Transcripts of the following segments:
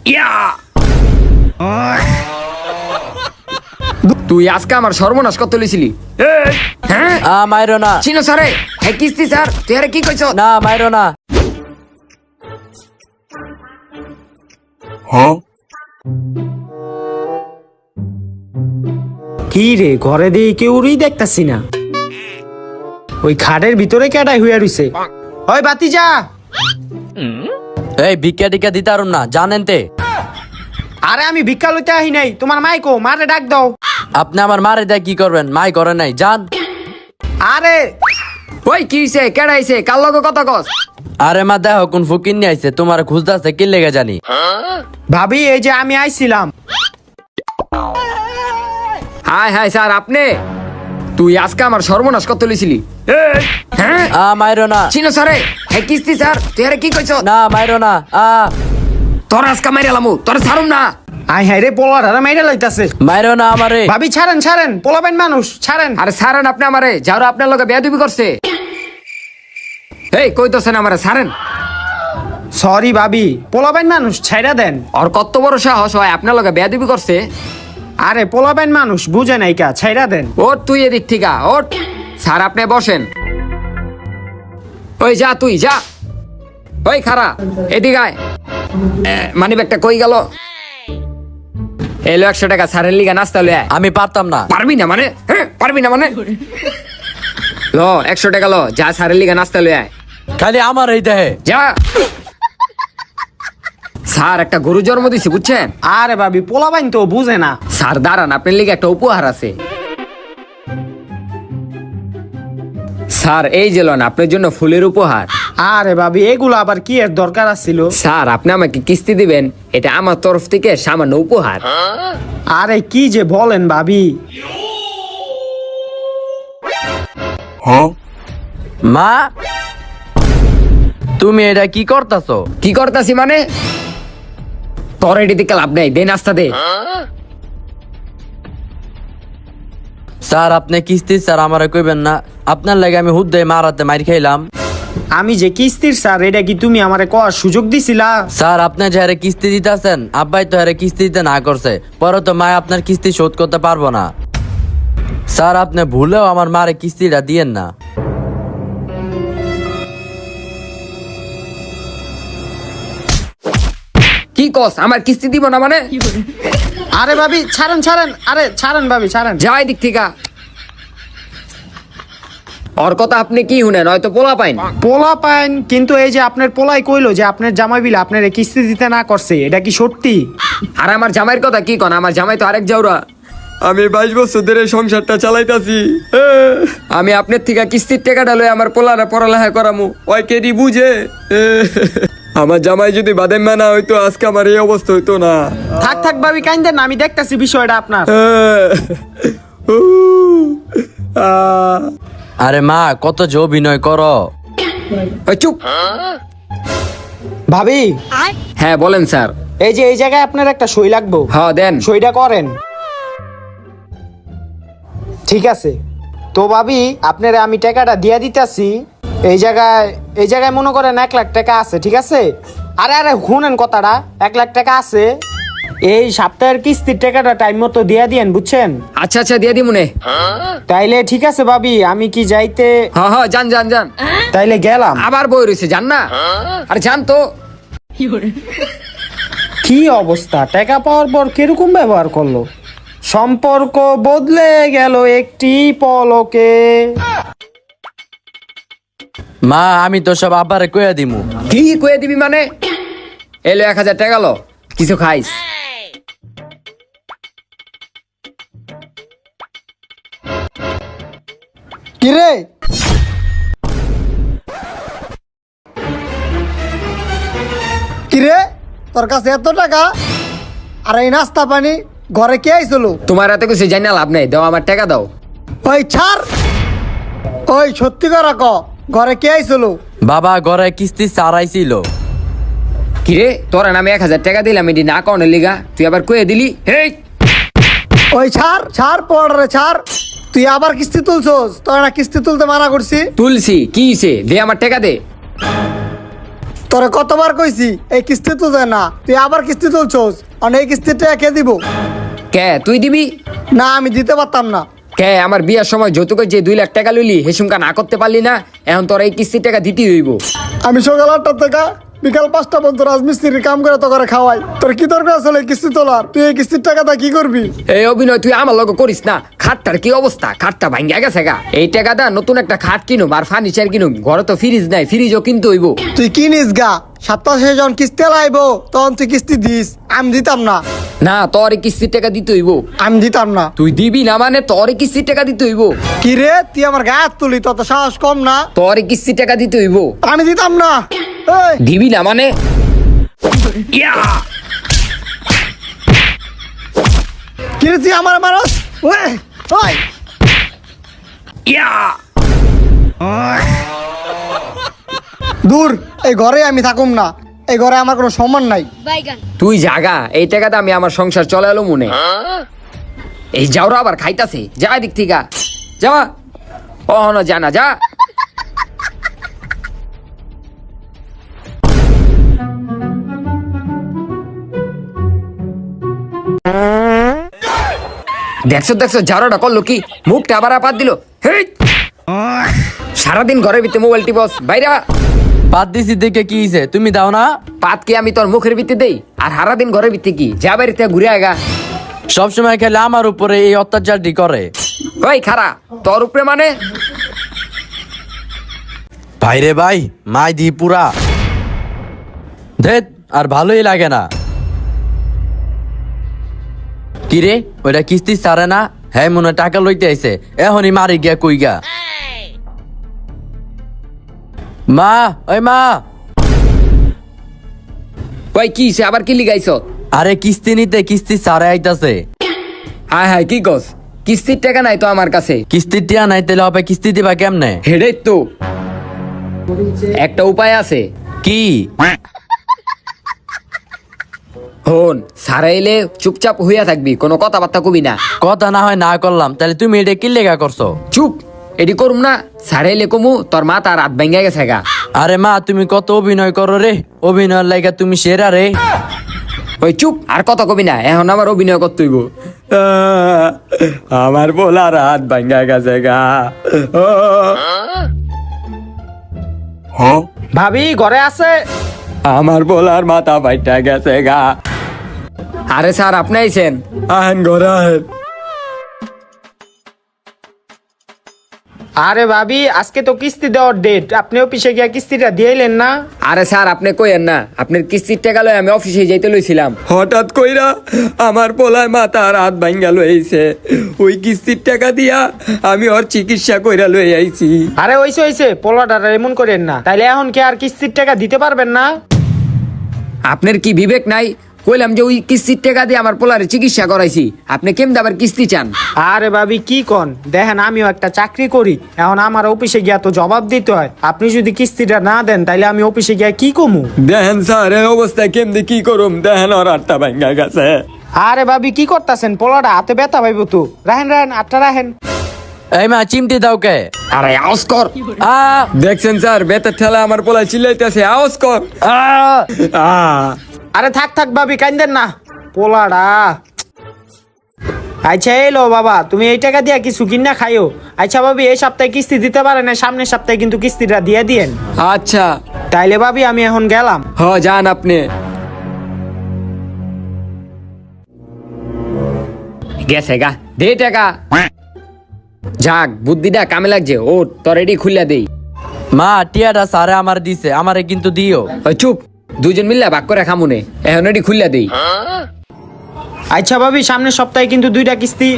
ইয়া তুই আজকে আমার সর্বনাশ কত লিছিলি? হ্যাঁ মাইরো না। চিনো স্যারে, হ্যাঁ কিস্তি স্যার, তুই আরে কি কইছ? না মাইরো না। কি রে, ঘরে দিয়ে কেউরই দেখতাছি না। ওই খাটের ভিতরে কেডাই হইয়া রইছে। ওই বাতি যা। এই ভিক্ষা টিকা দিতে পারুম না, জানেন তে। আরে আমি ভিক্ষা লইতে আহি নাই, তোমার মাইকো মারে ডাক দাও। আপনি আমার মারে দেয় কি করবেন? মাই করে নাই, জান। আরে ওই কি হইছে, কেডা আইছে, কার লগে কথা কস? আরে মা দেখো কোন ফকির নিয়ে আইছে, তোমার খুঁজতেছে কি লেগে জানি। ভাবি এই যে আমি আইছিলাম। হাই হাই স্যার, আপনি? তুই আজকে আমার সর্বনাশ কত লিছিলি? হ্যাঁ মাইরো না। চিনো স্যারে, হ্যাঁ কিস্তি স্যার, তুই আরে কি কইছ? না মাইরো না। তোর আজকে মাইরালামু, তোর ছাড়ুম না। আই হাই রে, পোলাটা মাইরা লইতাছে। মাইরো না আমারে। ভাবি ছাড়েন ছাড়েন, পোলাবেন মানুষ, ছাড়েন। আরে ছাড়েন আপনি আমারে, যারা আপনার লগে বেয়াদবি করছে। এই কইতাছেন আমারে ছাড়েন? সরি ভাবি, পোলাবেন মানুষ, ছাইরা দেন। আর কত বড় সাহস হয় আপনার লগে বেয়াদবি করছে? আরে পোলাবেন মানুষ, বুঝে নাই কা, ছাইরা দেন। ওট তুই এদিক থেকে ওট। স্যার আপনি বসেন। ওই যা, তুই যা। ওই খারা, এদিকে আয়। মানি ব্যাগটা কই গেল? এলো 100 টাকা, স্যারের লিগা নাস্তা লয়ে আয়। আমি পারতাম না। পারবি না মানে? হ্যাঁ পারবি না মানে? ল 100 টাকা ল, যা স্যারের লিগা নাস্তা লয়ে আয়। খালি আমার এই দেহে। যা। স্যার একটা গরু জন্ম দিছি বুঝছেন? আরে ভাবি, পোলাবেন তো বুঝে না। স্যার দাঁড়ান, আপনার লিগে একটা উপহার আছে। স্যার এই যে লন আপনার জন্য ফুলের উপহার। আরে ভাবি, এগুলো আবার কি এর দরকার আছিল? স্যার আপনি আমাকে কিস্তি দিবেন, এটা আমার তরফ থেকে সামান্য উপহার। আরে কি যে বলেন ভাবি। মা তুমি এটা কি করতাছো? কি করতাছি মানে? তোর এটি দিকে লাভ নেই, দে নাস্তা দে। স্যার আপনি কিস্তি স্যার আমারে কইবেন না। আপনার লাগে আমি হুদ্দে মারাতে মার খাইলাম। আমি যে কিস্তির স্যার, এটা কি তুমি আমারে কওয়ার সুযোগ দিছিলা? স্যার আপনি যে হারে কিস্তি দিতেছেন, আব্বাই তো হারে কিস্তি দিতে না করছে, পরে তো মা আপনার কিস্তি শোধ করতে পারবো না। স্যার আপনি ভুলেও আমার মারে কিস্তিটা দিয়েন না। কি কস, আমার কিস্তি দিব না মানে? আরে ভাবি ছাড়েন ছাড়েন, আরে ছাড়েন ভাবি ছাড়েন। যাই দিক থেকে। ওর কথা আপনি কি শুনেন, হয়তো পোলা পাইন। পোলা পাইন, কিন্তু এই যে আপনার পোলাই কইলো যে আপনার জামাই বিল আপনার কিস্তি দিতে না করছে, এটা কি সত্যি? আর আমার জামাইয়ের কথা কি কন? আমার জামাই তো আরেক জাউরা। আমি 22 বছর ধরে সংসারটা চালাইতাছি। আমি আপনার থেকে কিস্তির টাকাটা লয়ে আমার পোলারে পড়ালেখা করামু, ওই কেডি বুঝে? আমার জামাই যদি বাদাম মানা হইতো, আজকে আমার এই অবস্থা হইতো না। থাক থাক ভাবি কাইন্দেন না, আমি দেখতাছি বিষয়টা আপনার। আরে মা কত যে অভিনয় করো। ওই চুপ। ভাবি হ্যাঁ বলেন স্যার। এই যে এই জায়গায় আপনার একটা সই লাগবো। হ্যাঁ দেন। সইটা করেন। ঠিক আছে তো ভাবি, আপনারা আমি টাকাটা দিয়া দিতেছি। এই জায়গায় মনে করেন 1 লাখ টাকা আছে, ঠিক আছে? আরে আরে শুনেন কথাটা, 1 লাখ টাকা আছে। এই সপ্তাহের কিস্তির টাকাটা টাইম মতো দিয়া দিয়েন, বুঝছেন? আচ্ছা আচ্ছা দিয়ে দি মনে। তাইলে ঠিক আছে ভাবি, আমি কি যাইতে? হ্যাঁ হ্যাঁ যান যান যান। তাইলে গেলাম। আবার বই রয়েছে, যান না। আরে যান তো। কি অবস্থা, টাকা পাওয়ার পর কিরকম ব্যবহার করলো? সম্পর্ক বদলে গেল একটি পলকে। মা আমি তো সব আব্বারে কইয়া দিমু। কি কয়ে দিবি মানে? এলো 1000 টাকা লো, কিছু খাইস। কিরে কিরে, তোর কাছে এত টাকা আর এই নাস্তা পানি, ঘরে কে আইছিল? তোমার এত কিছু জানি না লাভ নেই, দাও আমার টাকা দাও। ওই ছাড়, ওই সত্যি করে ক, ঘরে কে আইছিল? বাবা ঘরে কিস্তি সারাইছিল। কিরে তোরা নামে 1000 টাকা দিলাম, এটি না কনের লিগা তুই আবার কয়ে দিলি? হেই ওই ছাড় ছাড়, পড়ে ছাড়। তুই আবার কিস্তি তুলছস? তোর না কিস্তি তুলতে মানা করছি। তুলসি কি হইছে? দে আমার টাকা দে। তোরে কতবার কইছি এই কিস্তি তুলছে না, তুই আবার কিস্তি তুলছোস। আর এই কিস্তির টাকা কে দিব? কে তুই দিবি? না, আমি দিতে পারতাম না। কে আমার বিয়ার সময় যৌতুকের যে 2 লাখ টাকা লইলি হেসুমকা না করতে পারলি না, এখন তোর এই কিস্তির টাকা দিতেই হইব। আমি সকাল 8টা থেকে বিকাল 5টা পর্যন্ত রাজমিস্ত্রির কাম করে তো করে খাওয়াই। তোর কি দরকার আসলে এই কিস্তি তোলার? তুই এই কিস্তির টাকাটা কি করবি? এই অভিনয় তুই আমার লগে করিস না। খাটটার কি অবস্থা? খাটটা ভাঙ্গা গেছে গা। এই টাকা দা নতুন একটা খাট কিনুম আর ফার্নিচার কিনুম। ঘরে তো ফ্রিজ নাই, ফ্রিজও কিনতে হইব। তুই কিনিস গা, সপ্তাহ শেষে যখন কিস্তি লাইব তখন তুই কিস্তি দিস। আমি দিতাম না, না তোর এই কিস্তির টাকা দিতে হইব। আমি দিতাম না। তুই দিবি না মানে তোর এই কিস্তির টাকা দিতে হইব। কি রে, তুই আমার গায়ে হাত তুলি? তত সাহস কম না? তোর এই কিস্তির টাকা দিতে হইব। আমি দিতাম না। এই, দিবি না মানে ইয়া! কি রে তুই আমার মারস? ওই ওই ইয়া! দূর, এই ঘরে আমি থাকুম না। এই ঘরে আমার কোনো সম্মান নাই। তুই জাগা, এই টাকাটা আমি আমার সংসার চলালো মনে। এই যাওরা আবার খাইতাছে, যা দিক থেকে যাওয়া। ও না জানা যা। দেখছো দেখছো জারোটা করলো কি, মুখটা আবার আপাত দিল। হেই! সারাদিন ঘরের ভিতরে মোবাইল টিপস, বাইরা। বাদ দিছি দেখে কি হইছে? তুমি দাও না? পাত কি আমি তোর মুখের ভিতরে দেই? আর সারাদিন ঘরের ভিতরে কি যা বাড়িতে ঘুরে আগা। সবসময় খেলে আমার উপরে এই অত্যাচারটি করে। ওই খারা, তোর উপরে মানে? ভাই রে ভাই, মাই দি পুরা ধেত, আর ভালোই লাগে না। কিরে, ওইটা কিস্তি ছাড়ে না? হ্যাঁ, মনে হয় টাকা লইতে আইছে। এখনই মারি গিয়া কই গা। মা, ওই মা। ওই কি হইছে? আবার কি লিগাইছ? আরে কিস্তি নিতে কিস্তি ছাড়ে আইতাছে। হায় হায়, কি কস? কিস্তির টাকা নাই তো আমার কাছে। কিস্তির টিয়া নাই, তাহলে হবে কিস্তি দিবা কেমনে? হেডে তো একটা উপায় আছে। কি? হন, সারাইলে চুপচাপ হইয়া থাকবি, কোনো কথাবার্তা কবি না। কথা না হয় না করলাম, তাহলে তুমি এটা কি লেগা করছো? চুপ, এডি করুম না। সারাইলে কমু তোর মা তার রাত ভেঙে গেছে গা। আরে মা, তুমি কত অভিনয় করো রে। অভিনয়ের লাইগা তুমি সেরা রে। ওই চুপ, আর কত কবি না। এখন আমার অভিনয় করতে হইব। আমার বলা রাত ভেঙে গেছে গা। ভাবি ঘরে আছে? আমার বলার মাথা ফাইটা গেছে গা। আরে স্যার, আপনি আইছেন? আহেন ঘরে আহেন। আরে ভাবি, আজকে তো কিস্তি দেওয়ার ডেট, আপনি অফিসে গিয়া কিস্তিটা দিয়েলেন না? আরে স্যার, আপনি কইেন না, আপনার কিস্তির টাকা লই আমি অফিসে যাইতে লইছিলাম। হঠাৎ কইরা আমার পোলায় মাথা রাত ভাঙ্গা লইছে। ওই কিস্তির টাকা দিয়া আমি ওর চিকিৎসা কইরা লই আইছি। আরে হইছে পোলাটা এমন করেন না। তাইলে এখন কি আর কিস্তির টাকা দিতে পারবেন না? আপনার কি বিবেক নাই? কইলাম যে ওই কিস্তির টাকা দিয়ে আমার পোলারে চিকিৎসা করাইছি, আপনি কেমন আবার কিস্তি চান? আরে ভাবি কি কন, দেখেন আমিও একটা চাকরি করি, এখন আমার অফিসে গিয়া তো জবাব দিতে হয়। আপনি যদি কিস্তিটা না দেন তাইলে আমি অফিসে গিয়া কি কমু? দেখেন স্যার, এই অবস্থায় কেমনি কি করুম? দেখেন ওর আটটা ভাঙ্গা গেছে। আরে ভাবি কি করতেছেন? পোলাটা হাতে ব্যথা পাইব তো। রাহেন আটটা রাহেন। এই মা, চিমটি দাও কে? আরে আওয়াজ কর। আ দেখছেন স্যার, বেতের ঠেলা আমার পোলায় চিল্লাইতেছে, আওয়াজ কর। আ আরে থাক ভাবি, কান্দেন না। পোলাটা আচ্ছা এলো বাবা, তুমি এই টাকা দিয়া কিছু কিনা খাইও। আচ্ছা ভাবি, এই সপ্তাহে কিস্তি দিতে পারে না, সামনের সপ্তাহে কিন্তু কিস্তিটা দিয়ে দিয়েন। আচ্ছা তাইলে ভাবি আমি এখন গেলাম। হ, যান আপনি। গেছে গা, দে টাকা। যাক, বুদ্ধিটা কামে লাগছে। ও তোর এডি খুললা দেই। মা, টিয়াটা সারে আমার দিছে, আমারে কিন্তু দিও। ওই চুপ, দুজন মিললে ভাগ করে খামুনে। এখন এডি খুললা দেই। আচ্ছা ভাবি, সামনের সপ্তাহে কিন্তু 2টা কিস্তি।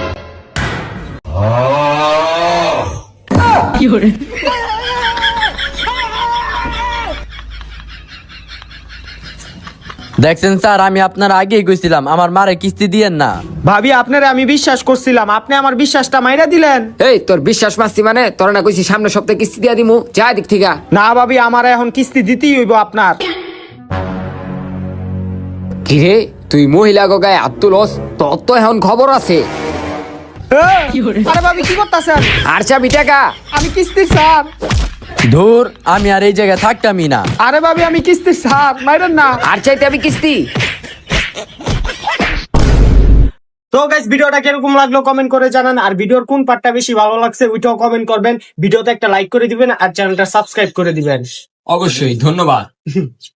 দেখছেন স্যার, আমি আপনার আগেই কইছিলাম আমার মারে কিস্তি দিয়েন না। ভাবি আপনারে আমি বিশ্বাস করছিলাম, আপনি আমার বিশ্বাসটা মাইরা দিলেন। এই তোর বিশ্বাস মাস্তি মানে? তোর না কইছি সামনের সপ্তাহে কিস্তি দিয়া দিমু, যা দিক থেকে। না ভাবি, আমার এখন কিস্তি দিতেই হইব আপনার। কিরে, তুই মহিলা গায়ে আত্মলস? তোর তো এখন খবর আছে। আরে ভাবি কি করতেছেন? আর চাবি টাকা। আমি কিস্তি স্যার। ধুর, আমি আর এই জায়গায় থাকতামই না। আরে ভাবি আমি কিস্তি স্যার মাইরেন না। আর চাইতে আমি কিস্তি। তো গাইস ভিডিওটা কিরকম লাগলো কমেন্ট করে জানান, আর ভিডিওর কোন পার্টটা বেশি ভালো লাগছে ওইটাও কমেন্ট করবেন। ভিডিওতে একটা লাইক করে দিবেন আর চ্যানেলটা সাবস্ক্রাইব করে দিবেন। অবশ্যই, ধন্যবাদ।